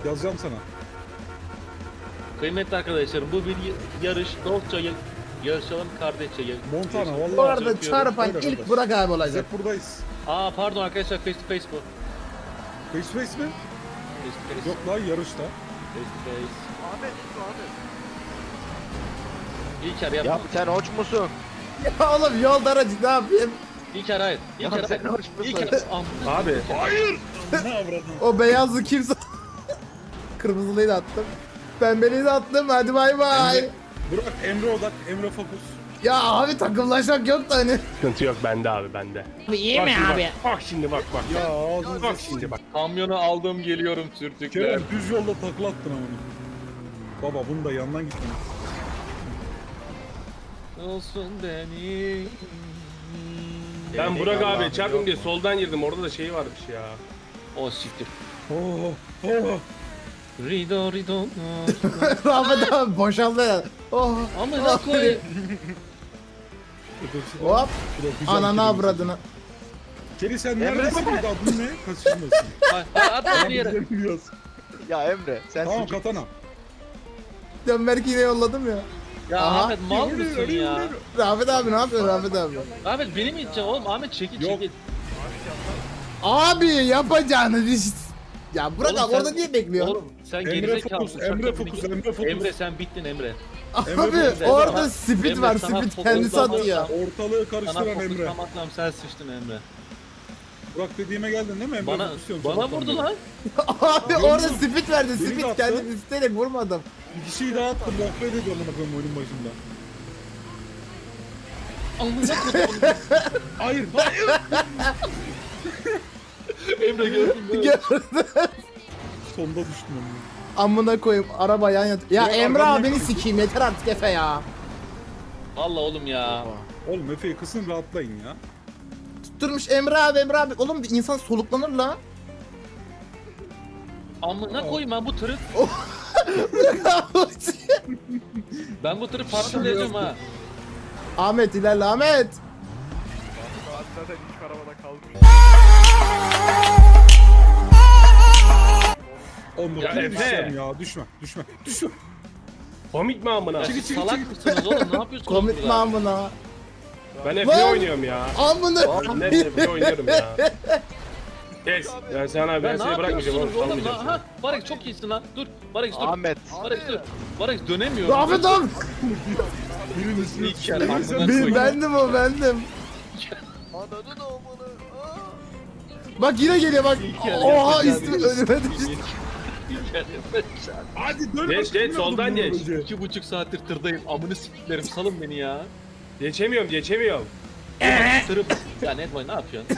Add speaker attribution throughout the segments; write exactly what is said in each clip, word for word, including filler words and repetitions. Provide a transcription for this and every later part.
Speaker 1: Yazacağım sana.
Speaker 2: Kıymetli arkadaşlarım bu bir yarış. Dostça yarışalım kardeşçe.
Speaker 1: Montana vallahi.
Speaker 3: Bu arada
Speaker 2: yapıyorum.
Speaker 3: çarpan
Speaker 1: Öyle
Speaker 3: ilk
Speaker 1: kardeş.
Speaker 3: Burak abi olacak.
Speaker 1: Hep buradayız.
Speaker 2: Aa pardon arkadaşlar face to face bu.
Speaker 1: Face to face mi?
Speaker 2: Face to face.
Speaker 1: Yok lan yarışta.
Speaker 2: Face to face.
Speaker 4: Ahmet, Ahmet.
Speaker 2: İlker yap.
Speaker 4: Ya sen hoş musun?
Speaker 3: Ya oğlum yolda aracı ne yapayım?
Speaker 2: İlker hayır. İlker
Speaker 4: Ya sen
Speaker 2: hayır.
Speaker 4: hoş musun?
Speaker 2: İlker. Am-
Speaker 5: Abi.
Speaker 1: Hayır. Ne avradın?
Speaker 3: O beyazlı kimse... Kırmızılıyı da attım. Pembeliyi de attım. Hadi bay bay.
Speaker 1: Emre, Burak Emre odak. Emre fokus.
Speaker 3: Ya abi takımlaşmak yok da hani.
Speaker 5: Sıkıntı yok bende abi bende.
Speaker 3: Abi iyi
Speaker 5: Bak
Speaker 3: mi
Speaker 5: şimdi
Speaker 3: abi?
Speaker 5: Bak, bak şimdi bak bak.
Speaker 1: Ya ağzınıza
Speaker 5: Bak şimdi bak.
Speaker 2: Kamyonu aldım geliyorum sürtükler.
Speaker 1: Kerem düz yolda takla attın ama. Baba bunu da yandan gittin.
Speaker 2: Olsun beni.
Speaker 5: Ben Burak abi çarpın diye soldan girdim. Orada da şey varmış ya.
Speaker 2: O siktir.
Speaker 1: Oh, oh.
Speaker 2: Rido rido.
Speaker 3: Rahmet abi boşaldı ya. Oh.
Speaker 2: Amına koyayım.
Speaker 3: Hop.
Speaker 1: Güzel
Speaker 3: Ananı
Speaker 1: Kerem.
Speaker 3: avradını.
Speaker 1: Keri sen neredesin? Bir de adın ne? Kaçırdın.
Speaker 2: Hay hay atma bir yere.
Speaker 1: Bilmiyoruz.
Speaker 4: Ya Emre sen
Speaker 1: Tamam
Speaker 4: sucuk-
Speaker 1: katana.
Speaker 3: Dönberk yine yolladım ya.
Speaker 2: Ya
Speaker 3: Aha.
Speaker 2: Ahmet mal mısın ya?
Speaker 3: Rahmet abi ne yapıyorsun Rahmet abi?
Speaker 2: Ahmet beni mi iteceksin oğlum? Ahmet çekil
Speaker 1: Yok.
Speaker 2: çekil.
Speaker 3: Abi yapacağınız iş. Ya Burak
Speaker 2: Oğlum
Speaker 3: abi
Speaker 2: sen-
Speaker 3: orada niye bekliyorsun?
Speaker 2: Oğlum sen
Speaker 1: Emre
Speaker 2: gerizekalı
Speaker 1: fokus,
Speaker 2: uçakta
Speaker 1: Emre
Speaker 2: beni-
Speaker 1: fokus, Emre fokus.
Speaker 2: Emre sen bittin Emre.
Speaker 3: Abi
Speaker 1: fokus,
Speaker 3: orada
Speaker 2: Emre,
Speaker 3: speed
Speaker 2: Emre,
Speaker 3: var
Speaker 2: sana
Speaker 3: speed
Speaker 2: fokus
Speaker 3: kendisi
Speaker 2: olmaz.
Speaker 3: atıyor.
Speaker 1: Ortalığı
Speaker 2: Sana
Speaker 1: karıştıran Emre.
Speaker 2: fokuslanmakla sen sıçtın Emre.
Speaker 1: Burak dediğime geldin değil mi Emre?
Speaker 2: Bana
Speaker 1: Fokusuyorum
Speaker 2: bana
Speaker 1: sana.
Speaker 2: vurdu lan.
Speaker 3: Abi
Speaker 1: Yok,
Speaker 3: orada
Speaker 1: yok.
Speaker 3: speed verdi
Speaker 1: Beni de
Speaker 3: speed
Speaker 1: attı.
Speaker 3: kendim isteyerek vurmadım.
Speaker 1: Bir kişiyi daha attım. Muhabbet ediyorum bana koyayım oyunun başında.
Speaker 2: Amına koydum.
Speaker 1: Hayır, hayır.
Speaker 2: Emre gördün mü?
Speaker 3: Gördüm.
Speaker 1: Sonda düştüm onu.
Speaker 3: Amına koyayım araba yan yat. Ya
Speaker 1: Ya
Speaker 3: Emre
Speaker 1: arkamdan
Speaker 3: abi beni
Speaker 1: koy.
Speaker 3: sikeyim yeter artık Efe ya.
Speaker 2: Allah oğlum ya.
Speaker 1: Oğlum Efe'yi kısın rahatlayın ya.
Speaker 3: Tutturmuş Emre abi Emre abi. Oğlum bir insan soluklanır la.
Speaker 2: Amına koyayım ben bu tırı ben bu tırı parçalayacağım ha.
Speaker 3: Ahmet ilerle Ahmet.
Speaker 4: Zaten ilk arabada kalmış.
Speaker 1: Oğlum
Speaker 5: Ya
Speaker 1: ya
Speaker 5: Efe.
Speaker 1: düşeceğim ya. Düşme, düşme, düşme.
Speaker 5: Komik mi amına?
Speaker 2: Ya
Speaker 1: Çıkı,
Speaker 2: siz
Speaker 1: çıkı,
Speaker 2: salak
Speaker 1: çıkı.
Speaker 2: mısınız oğlum ne yapıyorsunuz
Speaker 3: Komik mi
Speaker 2: burada?
Speaker 3: amına?
Speaker 5: Ben
Speaker 3: Lan!
Speaker 5: F B oynuyorum ya.
Speaker 3: Amına.
Speaker 5: Ben F B oynuyorum ya. Kes. Ben sana
Speaker 2: Ya
Speaker 5: ben
Speaker 2: ne
Speaker 5: seni bırakmayacağım oğlum.
Speaker 2: yapıyorsunuz oğlum
Speaker 5: Salmayacağım
Speaker 2: lan?
Speaker 5: seni.
Speaker 2: Ha Barış çok iyisin lan. Dur Barış dur.
Speaker 4: Ahmet.
Speaker 2: Barış dur. Barış dönemiyorum.
Speaker 3: Rahmet abi.
Speaker 1: Birinin üstüne
Speaker 2: İlk kere
Speaker 1: düştüm.
Speaker 2: amına
Speaker 1: Sen-
Speaker 2: koyayım.
Speaker 3: Ben, bendim o bendim.
Speaker 4: Ananı da olmalı.
Speaker 3: Bak yine geliyor bak.
Speaker 2: kere
Speaker 3: Oha
Speaker 2: yapacağım.
Speaker 3: üstüme önüme düştü.
Speaker 1: Hadi dön.
Speaker 5: Geç, geç, soldan geç.
Speaker 2: İki buçuk saattir tırdayım. Amını siktiklerim salın beni ya.
Speaker 5: Geçemiyorum geçemiyorum.
Speaker 2: Tırı... Ya Netboy ne yapıyorsun?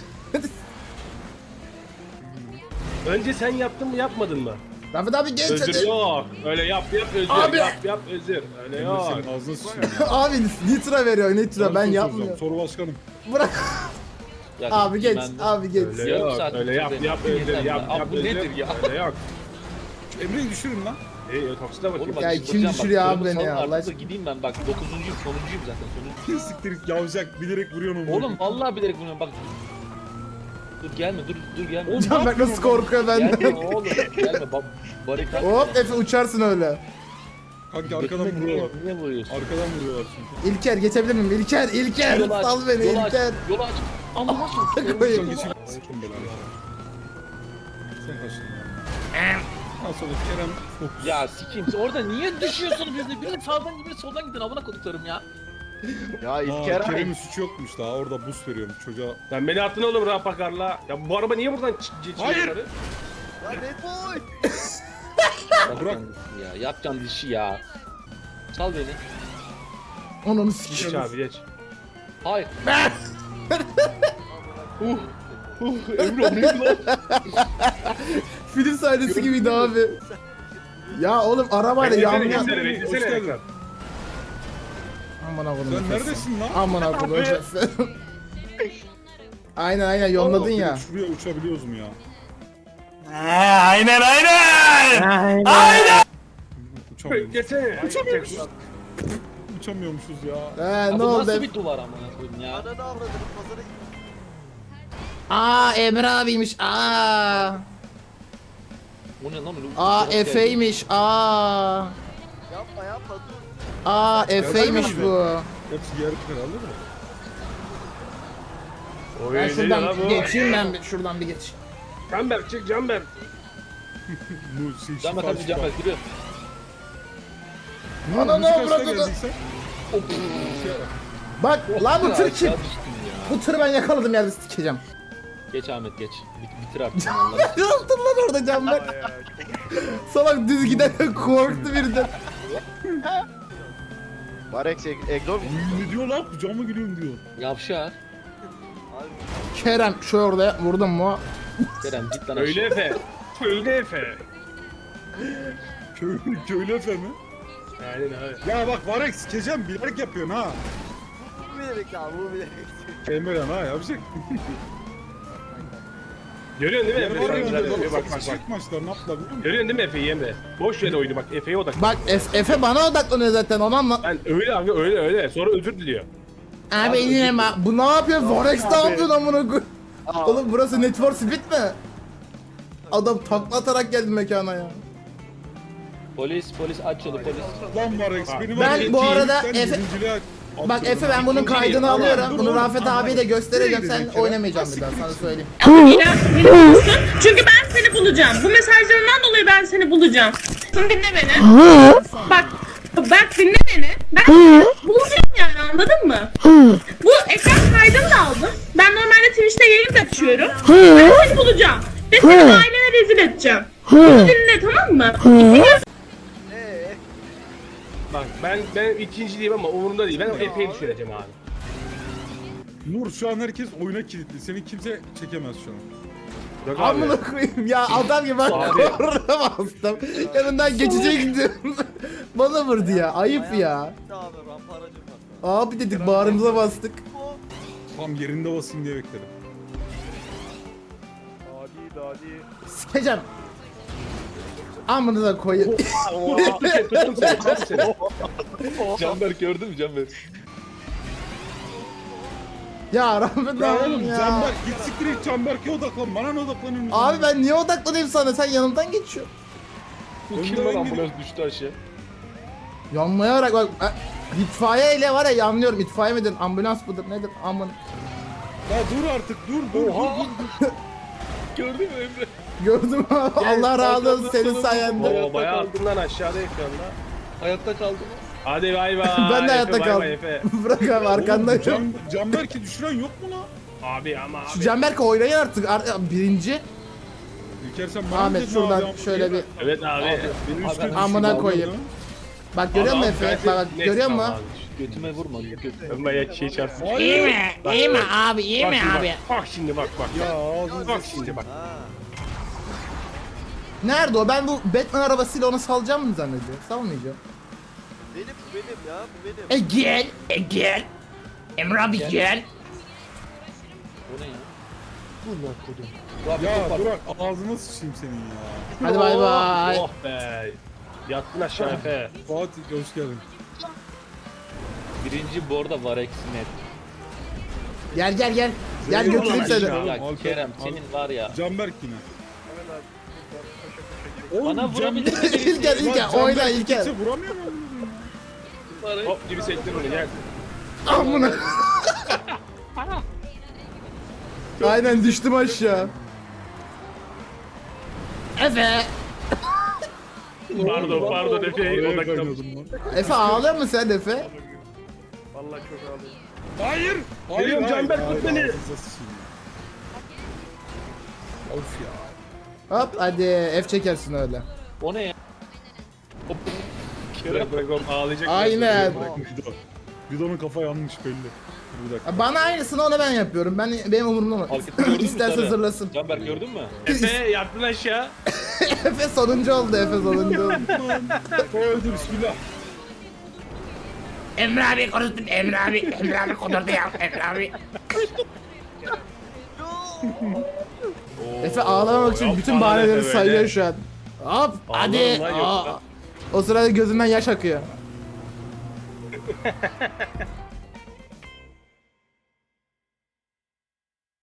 Speaker 5: Önce sen yaptın mı yapmadın mı?
Speaker 3: Rahmet abi geç
Speaker 5: Özür
Speaker 3: hadi.
Speaker 5: yok. Öyle yap yap özür.
Speaker 3: Abi.
Speaker 5: Yap yap özür. Öyle
Speaker 1: Emre
Speaker 5: yok.
Speaker 1: senin ağzına sıçayım ya.
Speaker 3: Abi nitra veriyor nitra ben
Speaker 1: soru soracağım.
Speaker 3: yapmıyorum.
Speaker 1: Soru başkanım.
Speaker 3: Bırak.
Speaker 2: Ya,
Speaker 3: Abi geç
Speaker 2: ben de-
Speaker 3: abi geç.
Speaker 5: Öyle
Speaker 2: Yarım
Speaker 5: yok.
Speaker 2: saat
Speaker 5: Öyle yap
Speaker 2: sürdü.
Speaker 5: yap özür.
Speaker 2: Yeter
Speaker 5: Yap
Speaker 2: ya.
Speaker 5: yap
Speaker 2: Abi bu
Speaker 5: özür.
Speaker 2: nedir ya?
Speaker 5: Öyle yok.
Speaker 1: Emre'yi düşürün lan.
Speaker 5: İyi taksite bakayım.
Speaker 2: Oğlum bak,
Speaker 3: Ya
Speaker 2: çıldıracağım
Speaker 3: kim
Speaker 2: bak.
Speaker 3: düşürüyor abi
Speaker 2: Tırımı
Speaker 3: beni
Speaker 2: salın
Speaker 3: ya,
Speaker 2: artık
Speaker 3: Allah
Speaker 2: da
Speaker 3: aşkına.
Speaker 2: Gideyim ben bak dokuzuncuyum sonuncuyum zaten sonuncu.
Speaker 1: Siktir git yavşak bilerek vuruyorsun onu.
Speaker 2: Oğlum vallahi bilerek bunu bak. Dur gelme dur dur gelme.
Speaker 1: Oğlum,
Speaker 3: Can bak nasıl korkuyor
Speaker 2: Gelme
Speaker 3: benden.
Speaker 2: oğlum gelme bak barikat.
Speaker 3: Hop Efe uçarsın öyle.
Speaker 1: Kanki arkadan
Speaker 2: Götüme
Speaker 1: vuruyorlar.
Speaker 2: Niye, niye vuruyorsun?
Speaker 1: Arkadan vuruyorlar çünkü.
Speaker 3: İlker geçebilir miyim? İlker İlker
Speaker 2: Yolu aç,
Speaker 3: sal beni
Speaker 2: yolu aç,
Speaker 3: İlker.
Speaker 2: Yolu aç. Allah aşkına.
Speaker 3: Koyayım.
Speaker 1: Geçin. Geçin belanı. Sen kaçtın ya. Ondan sonra Kerem fokus.
Speaker 2: Ya sikeyim orada niye düşüyorsunuz bizi? Biri sağdan biri soldan gidin amına koduklarım ya.
Speaker 4: Ya
Speaker 1: Aa,
Speaker 4: İlker abi.
Speaker 1: Kerem'in suçu yokmuş daha orada boost veriyorum çocuğa.
Speaker 5: Sen beni attın oğlum rapakarla. Ya bu araba niye buradan ç- geçiyor?
Speaker 1: Hayır.
Speaker 5: yukarı?
Speaker 4: Ya Red Bull.
Speaker 1: Bırak.
Speaker 2: Ya yapacağım dişi ya. Sal beni.
Speaker 3: Onu
Speaker 5: Geç
Speaker 3: sikeyim.
Speaker 5: abi geç.
Speaker 2: Hayır. uh, uh, Emre o neydi lan?
Speaker 3: Film sahnesi gibiydi abi. Ya oğlum arabayla
Speaker 5: Beklesene
Speaker 3: yan yan.
Speaker 5: beklesene
Speaker 1: Hoş
Speaker 5: beklesene
Speaker 1: geldin.
Speaker 5: ekran.
Speaker 3: Aman akodum.
Speaker 1: Sen neredesin lan?
Speaker 3: Aman akodum. Aynen aynen yolladın
Speaker 1: Allah,
Speaker 3: ya.
Speaker 1: Şuraya uçabiliyoruz mu ya?
Speaker 5: Aynen aynen.
Speaker 1: Uçamıyoruz.
Speaker 5: Beklesene.
Speaker 1: Uçamıyormuşuz ya.
Speaker 3: He
Speaker 2: Ya
Speaker 3: ne
Speaker 2: bu
Speaker 3: oldu?
Speaker 2: nasıl bir duvar amına koyayım ya?
Speaker 4: Ananı avradını pazara git.
Speaker 3: Aa Emre abiymiş. Aa.
Speaker 2: O ne lan öyle?
Speaker 3: Aa
Speaker 2: uçarak geldi.
Speaker 3: Efe'ymiş. Aa.
Speaker 4: Yapma yapma dur.
Speaker 3: Aa Efe'ymiş bu.
Speaker 1: Hepsi yarı final alır mı?
Speaker 5: Oy,
Speaker 3: Ben
Speaker 5: ne diyor lan
Speaker 3: şuradan
Speaker 5: bu?
Speaker 3: geçeyim ben bir- şuradan bir geç.
Speaker 5: Canberk çık Canberk.
Speaker 1: Bu şey,
Speaker 2: Can bak
Speaker 1: şifa,
Speaker 2: hadi
Speaker 1: şifa.
Speaker 2: can bak yürü.
Speaker 1: Ne oldu,
Speaker 3: Ana,
Speaker 1: müzik
Speaker 3: ne
Speaker 1: açıdan
Speaker 3: bırakın?
Speaker 1: geldin sen? Şey yap.
Speaker 3: Bak lan bu tır kim?
Speaker 2: Aşağı düştüm ya.
Speaker 3: Bu tırı ben yakaladım yerde sikeceğim.
Speaker 2: Geç Ahmet geç. Bit, bitir artık sen Allah'ını.
Speaker 3: Ne yaptın lan orada can bak? Salak düz giderken korktu birden.
Speaker 4: Varex Eglo mu?
Speaker 1: Ne diyor lan? Kucağıma gülüyorum diyor.
Speaker 2: Yavşar.
Speaker 4: Abi
Speaker 3: Kerem şu orada vurdun mu?
Speaker 2: Kerem git lan
Speaker 5: Öyle
Speaker 2: aşağı.
Speaker 5: Efe. Öyle Efe.
Speaker 1: Köylü, köylü efemi.
Speaker 5: Aynen abi.
Speaker 1: Ya bak Varex sikeceğim bilerek yapıyorsun ha.
Speaker 4: bu bilerek ya bu bilerek.
Speaker 1: Emre'den ha yapacak.
Speaker 5: Görüyorsun değil mi Efe? Sen güzel yapıyor. Bak bak bak.
Speaker 1: Çiçek maçlar ne yaptılar biliyor musun?
Speaker 5: Görüyorsun değil mi Efe'yi Emre? Boş ver oyunu bak Efe'ye odak.
Speaker 3: Bak Efe, Efe bana odaklanıyor zaten onu anla.
Speaker 5: Ben öyle abi öyle öyle. Sonra özür diliyor.
Speaker 3: Abi yine bak bu ne yapıyor? Forex ne yapıyorsun amına koy? Oğlum burası Need for Speed mi? Adam takla atarak geldi mekana ya.
Speaker 2: Polis polis aç yolu polis.
Speaker 1: Lan Varex beni
Speaker 3: Ben
Speaker 1: var ya,
Speaker 3: bu arada
Speaker 1: sen
Speaker 3: Efe-
Speaker 1: birinciliğe at-
Speaker 3: Bak
Speaker 1: atıyorum.
Speaker 3: Efe ben bunun
Speaker 5: İkinci
Speaker 3: kaydını
Speaker 5: değil,
Speaker 3: alıyorum.
Speaker 1: dur
Speaker 3: Bunu
Speaker 1: oğlum,
Speaker 3: Rafet
Speaker 1: tamam.
Speaker 3: abiye de göstereceğim.
Speaker 1: Nereye
Speaker 3: Sen
Speaker 1: gideceksin?
Speaker 3: oynamayacağım bir daha
Speaker 1: Siktir
Speaker 3: sana
Speaker 1: git.
Speaker 3: söyleyeyim.
Speaker 6: İrem, beni bulursun. Çünkü ben seni bulacağım. Bu mesajlarından dolayı ben seni bulacağım. Şimdi dinle beni. Bak, bak dinle beni. Ben bulacağım yani anladın mı? Bu ekran kaydını da aldım. Ben normalde Twitch'te yayın da açıyorum. Ben seni bulacağım. Ve seni ailene rezil edeceğim. Bunu dinle tamam mı? İki
Speaker 4: Eee
Speaker 5: Bak ben ben ikinciliyim ama umurumda değil. Ben o Efe'yi düşüreceğim abi.
Speaker 1: Nur şu an herkes oyuna kilitli. Seni kimse çekemez şu an.
Speaker 5: Bak abi.
Speaker 3: Amına koyayım ya adam gibi bak
Speaker 5: Abi.
Speaker 3: korna bastım. Yanından geçecektim. Bana vurdu ya ayıp ya.
Speaker 4: abi rampa aracım var.
Speaker 3: Abi dedik bağrımıza bastık.
Speaker 1: Tam yerinde basayım diye bekledim.
Speaker 4: Dadi dadi.
Speaker 3: Sikeceğim. Amına da koyayım.
Speaker 5: Tuttum seni, tuttum seni, tuttum seni.
Speaker 2: Canberk gördün mü Canberk?
Speaker 3: Ya Rafet
Speaker 1: Ya
Speaker 3: abi
Speaker 1: oğlum
Speaker 3: ya.
Speaker 1: Canberk git siktir et Canberk'e odaklan. Bana ne odaklanıyorsun?
Speaker 3: Abi ben niye odaklanayım sana? Sen yanımdan geçiyorsun.
Speaker 2: Bu
Speaker 1: Önde
Speaker 2: kim
Speaker 1: ben
Speaker 2: lan
Speaker 1: gidiyorum.
Speaker 2: ambulans düştü aşağı.
Speaker 3: Yanlayarak bak. e, İtfaiye ile var ya yanlıyorum. İtfaiye midir? Ambulans mıdır? Nedir? Amın.
Speaker 1: Ya dur artık dur dur
Speaker 2: Oha.
Speaker 1: dur dur.
Speaker 2: Gördün mü Emre?
Speaker 3: Gördüm abi. Allah razı olsun senin sayende.
Speaker 5: Oo bayağı attın lan aşağıda ekranda.
Speaker 2: Hayatta kaldı mı?
Speaker 5: Hadi bay bay.
Speaker 3: Ben de hayatta
Speaker 5: Efe, bay
Speaker 3: kaldım.
Speaker 5: bay Efe.
Speaker 3: Bırak abi
Speaker 1: Oğlum,
Speaker 3: arkandayım.
Speaker 1: Can, Canberk'i düşüren yok mu lan?
Speaker 5: Abi ama
Speaker 3: Şu
Speaker 5: abi.
Speaker 3: Canberk oynayın artık. Ar- birinci.
Speaker 1: İlker sen bana
Speaker 3: Ahmet
Speaker 1: dedin
Speaker 3: şuradan
Speaker 1: abi,
Speaker 3: şöyle bir.
Speaker 5: Evet abi.
Speaker 1: Beni üstte
Speaker 2: Abi,
Speaker 1: düşürdü,
Speaker 3: amına
Speaker 1: aldın
Speaker 3: koyayım.
Speaker 1: lan.
Speaker 3: Bak görüyor musun Efe? Bak, bak görüyor musun?
Speaker 2: Götüme vurma. Götüme.
Speaker 5: Ben bayağı şey çarptım.
Speaker 3: İyi mi? İyi mi abi? İyi
Speaker 5: Bak
Speaker 3: mi
Speaker 5: şimdi
Speaker 3: abi?
Speaker 5: Bak, bak şimdi bak bak.
Speaker 1: Ya ağzını
Speaker 5: Bak şimdi bak.
Speaker 4: Ha.
Speaker 3: Nerede o? Ben bu Batman arabasıyla onu salacağım mı zannediyor? Salmayacağım.
Speaker 4: Benim bu benim ya bu benim.
Speaker 3: E gel, e gel. Emre abi gel.
Speaker 2: O ne ya? Dur lan kodum. Abi
Speaker 1: Ya
Speaker 2: topar.
Speaker 1: Burak ağzına sıçayım senin ya.
Speaker 3: Hadi bay bay.
Speaker 5: Oh be. Yattın aşağı Efe.
Speaker 1: Fatih hoş geldin.
Speaker 2: Birinci bu arada Varex net.
Speaker 3: Gel gel gel. Gel götüreyim
Speaker 5: Ulan
Speaker 3: seni.
Speaker 5: aşağı.
Speaker 2: Ya
Speaker 1: Alper-
Speaker 2: Kerem
Speaker 1: Al-
Speaker 2: senin var ya.
Speaker 1: Canberk yine. Oğlum,
Speaker 2: Bana vurabilir mi birisi?
Speaker 3: İlker
Speaker 1: Lan
Speaker 3: İlker
Speaker 1: Canberk
Speaker 3: oyna İlker.
Speaker 1: kimse vuramıyor mu?
Speaker 5: Hop gibi sektir bunu gel.
Speaker 3: Amına. Aynen düştüm aşağı. Efe.
Speaker 5: Pardon pardon Efe'ye
Speaker 1: Oraya
Speaker 5: odaklanmış.
Speaker 1: kaynıyordum lan.
Speaker 3: Efe ağlıyor musun sen Efe?
Speaker 1: Hayır. Hayır.
Speaker 5: Geliyorum
Speaker 1: hayır,
Speaker 5: Canberk,
Speaker 1: hayır,
Speaker 5: tut beni.
Speaker 1: ağzınıza sıçayım ya. Of ya.
Speaker 3: Hop hadi F çekersin öyle.
Speaker 2: O ne ya? Hop.
Speaker 5: Bırak bırak oğlum ağlayacak.
Speaker 3: Aynen.
Speaker 1: Bido. Bido'nun kafa yanmış belli. Bir dakika.
Speaker 3: Bana aynısını ona ben yapıyorum. Ben benim umurumda mı?
Speaker 2: Hareketi gördün mü
Speaker 3: İsterse
Speaker 2: sarı?
Speaker 3: zırlasın.
Speaker 2: Canberk gördün mü?
Speaker 5: Efe yattın aşağı.
Speaker 3: Efe sonuncu oldu Efe sonuncu oldu.
Speaker 1: Öldü bismillah.
Speaker 3: Emre abi konuştun Emre abi. Emre abi konuştu ya Emre abi. Efe ağlamamak için
Speaker 5: Yapma
Speaker 3: bütün
Speaker 5: lan
Speaker 3: bahaneleri
Speaker 5: Efe
Speaker 3: sayıyor
Speaker 5: böyle.
Speaker 3: şu an. Hop hadi.
Speaker 5: Ağlarım lan
Speaker 3: Aa.
Speaker 5: yoksa.
Speaker 3: O sırada gözünden yaş akıyor.